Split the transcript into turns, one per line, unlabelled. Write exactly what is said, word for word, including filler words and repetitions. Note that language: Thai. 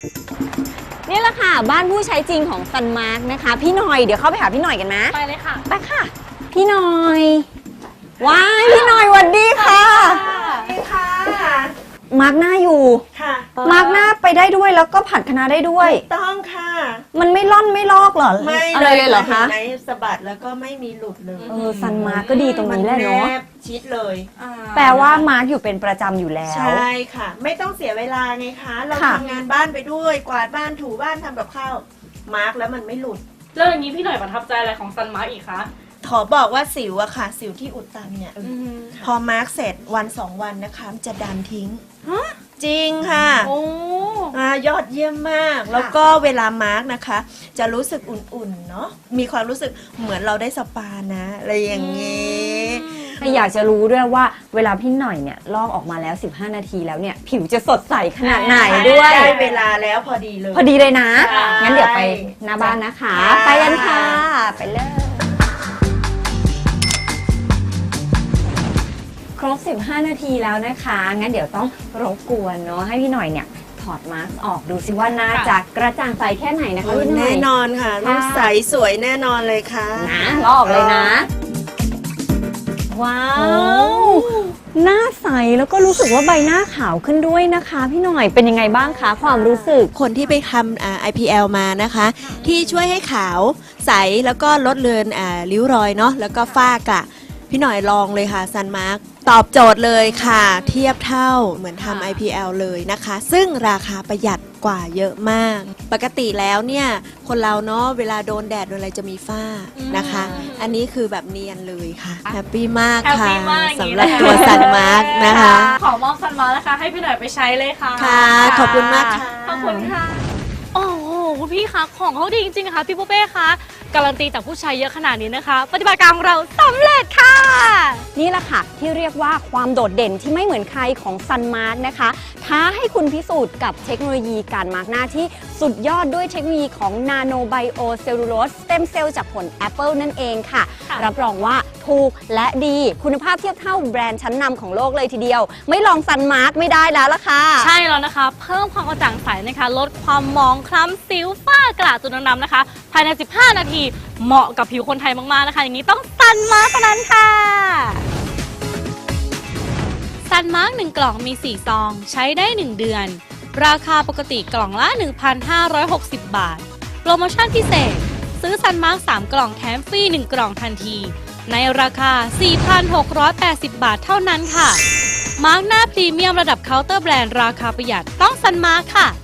นี่แหละค่ะบ้านผู้ใช้จริงของซันมาร์กนะคะพี่หน่อยเดี๋ยวเข้าไปหาพี่หน่อยกันไหม
ไปเลยค่ะ
ไปค่ะพี่หน่อยว้ายพี่หน่อยสวัสดีค่ะ
สวัสดีค่ะ
มาร์กหน้าอยู่
ค่ะ
มาร์กหน้าไปได้ด้วยแล้วก็ผัดคะน้าได้ด้วย
ต้องค่ะ
มันไม่ล่อนไม่ลอกเหรอ
ไม่
อะไรเลยเหรอคะ
ในสะบัดแล้วก็ไม่มีหลุดเลย
เออซันมาร์กก็ดีตรงนี้แหละเนาะ
มัแนบชิดเลย
แปลว่ามาร์กอยู่เป็นประจำอยู่แล้ว
ใช่ค่ะ ไม่ต้องเสียเวลาไงคะ เรา
ค่ะ
ทำงานบ้านไปด้วย กวาดบ้านถูบ้านทำกับข้าวมาร์กแล้วมันไม่หลุด
แล้วอย่างนี้พี่หน่อยประทับใจอะไรของซันมาร์กอีกคะ
ขอบอกว่าสิวอะค่ะ สิวที่อุดตันเนี่ย พอมาร์กเสร็จวันสองวันนะคะมันจะดันทิ้ง จริงค่ะ
โอ้
อ่ายอดเยี่ยมมาก แล้วก็เวลามาร์กนะคะ จะรู้สึกอุ่นๆเนาะมีความรู้สึกเหมือนเราได้สปานะอะไรอย่างนี้
อยากจะรู้ด้วยว่าเวลาพี่หน่อยเนี่ยลอกออกมาแล้วสิบห้านาทีแล้วเนี่ยผิวจะสดใสขนาดไหนด้วย
ได้เวลาแล้วพอดีเลย
พอดีเลยนะ
ใช่
งั้นเดี๋ยวไปหน้าบ้านนะคะ
ค่ะ
ไปกันค่ะ ไปเลย ครบสิบห้านาทีแล้วนะคะ งั้นเดี๋ยวต้องรบกวนเนาะให้พี่หน่อยเนี่ยถอดมาสก์ออกดูสิว่าน่าจะกระจ่างใสแค่ไหนนะคะพี่หน่อย
แน่นอนค่ะลูกใสสวยแน่นอนเลยค่ะ
นะลอกเลยนะ ว้าว หน้าใสแล้วก็รู้สึกว่าใบหน้าขาวขึ้นด้วยนะคะ พี่หน่อยเป็นยังไงบ้างคะความรู้สึก
คนที่ไปทำอ่า ไอ พี แอล มานะคะ ที่ช่วยให้ขาวใสแล้วก็ลดเลือนอ่าริ้วรอยเนาะแล้วก็ฝ้ากระพี่หน่อยลองเลยค่ะซันมาร์กตอบโจทย์เลยค่ะ เทียบเท่าเหมือนทำ ไอ พี แอล เลยนะคะ ซึ่งราคาประหยัดกว่าเยอะมาก ปกติแล้วเนี่ยคนเราเนาะเวลาโดนแดดโดนอะไรจะมีฝ้านะคะ อันนี้คือแบบเนียนเลยค่ะแฮปปี้มาก
แฮป
ค่ะ
ปี้มากอย่างนี้
สำหรับ
นะคะ
ตัวซันมาร์กนะคะ
ขอมอบซันมาร์กนะคะ ให้พี่หน่อยไปใช้เลยค่ะ
ค่ะ ขอบคุณมากค่ะ
ขอบคุณค่ะ โอ้โหคุณพี่คะของเขาดีจริงๆค่ะพี่ปุ๊เป้คะการันตีจากผู้ใช้เยอะขนาดนี้นะคะ ปฏิบัติการของเราสำเร็จค่ะ
นี่แหละค่ะที่เรียกว่าความโดดเด่นที่ไม่เหมือนใครของซันมาร์กนะคะท้าให้คุณพิสูจน์กับเทคโนโลยีการมาร์กหน้าที่สุดยอดด้วยเทคโนโลยีของนาโนไบโอเซลลูโลสสเต็มเซลล์จากผลแอปเปิลนั่นเองค่ะ
ค่ะ
รับรองว่าถูกและดีคุณภาพเทียบเท่าแบรนด์ชั้นนำของโลกเลยทีเดียว ไม่ลองซันมาร์กไม่ได้แล้วล่ะค่ะ
ใช่แล้วนะคะ เพิ่มความกระจ่างใสนะคะ ลดความมองคล้ำสิวฝ้ากระจุดด่างๆนะคะ ภายใน สิบห้า นาที เหมาะกับผิวคนไทยมากๆนะคะ อย่างนี้ต้องซันมาร์กเท่านั้นค่ะ ซันมาร์กหนึ่งกล่องมี สี่ ซอง ใช้ได้ หนึ่ง เดือน ราคาปกติกล่องละ หนึ่งพันห้าร้อยหกสิบ บาท โปรโมชั่นพิเศษ ซื้อซันมาร์กสามกล่องแถมฟรีหนึ่งกล่องทันที ในราคา สี่พันหกร้อยแปดสิบ บาทเท่านั้นค่ะ มาร์กหน้าพรีเมียมระดับเคาน์เตอร์แบรนด์ราคาประหยัดต้องซันมาร์กค่ะ